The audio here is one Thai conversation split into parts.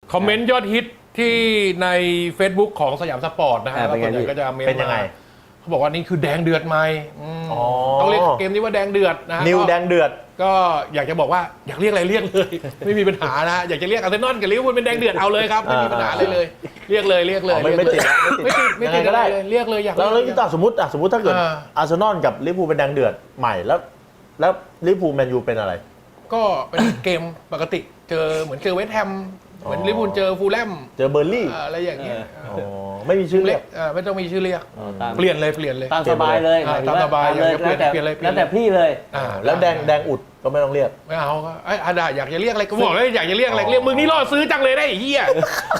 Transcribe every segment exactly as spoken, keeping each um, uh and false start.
คอมเมนต์ยอดฮิตที่ใน Facebook ของสยามสปอร์ตนะฮะเป็นไงก็จะเมนเป็นยังไงเขาบอกว่านี่คือแดงเดือดไหมต้องเรียกเกมนี้ว่าแดงเดือดนะฮะนิวแดงเดือดก็อยากจะบอกว่าอยากเรียกอะไรเรียกเลย ไม่มีปัญหานะฮะอยากจะเรียกอาร์เซนอลกับลิเวอร์พูลเป็นแดงเดือดเอาเลยครับไม่มีปัญหาอะไรเลยเรียกเลยเรียกเลยไม่ไม่ติดไม่ติดไม่ติดก็ได้เรียกเลยอยากแล้วแล้วต่อสมมติอ่ะสมมติถ้าเกิดอาร์เซนอลกับลิเวอร์พูลเป็นแดงเดือดใหม่แล้วแล้วลิเวอร์พูลแมนยูเป็นอะไรก็เป็นเกมปกติเจอเหมือนเจอเวสต์แฮมเหมือนลิเวอร์พูลเจอฟูลแลมเจอเบอร์ลี่อะไรอย่างเงี้ยไม่มีชื่อเรียกไม่ต้องมีชื่อเรียกเปลี่ยนเลยเปลี่ยนเลยตามสบายเลยตามสบายอยากจะเปลี่ยนแล้วแต่เปลี่ยนเลยแล้วแต่พี่เลยแล้วแดงแดงอุดก็ไม่ต้องเรียกไม่เอาก็ไอ้อาดาอยากจะเรียกอะไรก็บอกเลยอยากจะเรียกอะไรเรียกมึงนี่ล่อซื้อจังเลยได้ไอ้เหี้ย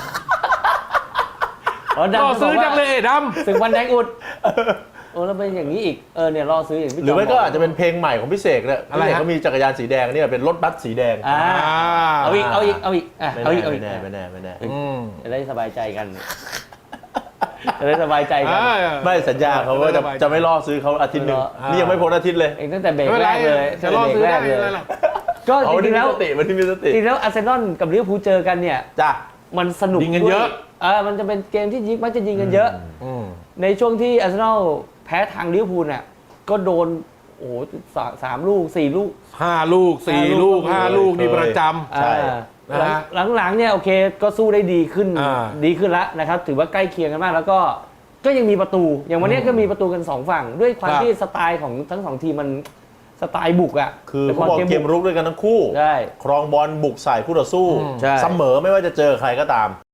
ล่อซื้อจังเลยดำถึงวันแดงอุดโอ้แล้วเป็นอย่างนี้อีกเออเนี่ยรอซื้ออย่างพี่หรือไม่ก็อาจจะเป็นเพลงใหม่ของพี่เสกเนี่ยพี่เสกก็มีจักรยานสีแดงเนี่ยเป็นรถบัสสีแดงอ่าเอาอีกเอาอีกเอาอีกเอาอีกเอาอีกไม่แน่ไม่แน่ไม่แน่จะได้สบายใจกันจะได้สบายใจกันไม่สัญญาเขาว่าจะจะไม่ล่อซื้อเขาอาทิตย์หนึ่งนี่ยังไม่พ้นอาทิตย์เลยเองตั้งแต่เบรกแรกเลยจะล่อซื้อได้เลยก็จริงๆแล้วมันที่มีสติจริงๆแล้วอาร์เซนอลกับลิเวอร์พูลเจอกันเนี่ยจ้ะมันสนุกยิงกันเยอะเออมันจะเป็นเกมที่ยิงมักจะยิงกันเยอะในช่วงที่อาร์เซนอลแพ้ทางลิเวอร์พูลเนี่ยก็โดนโอ้โหสามลูกสี่ลูกห้าลูกสี่ลูกห้าลูกนี่ประจำใช่หลังๆเนี่ยโอเคก็สู้ได้ดีขึ้นดีขึ้นแล้วนะครับถือว่าใกล้เคียงกันมากแล้วก็ก็ยังมีประตูอย่างวันนี้ก็มีประตูกันสองฝั่งด้วยความที่สไตล์ของทั้งสองทีมมันสไตล์บุกอ่ะคือเขาบอกเกมรุกด้วยกันทั้งคู่ครองบอลบุกใส่คู่ต่อสู้เสมอไม่ว่าจะเจอใครก็ตาม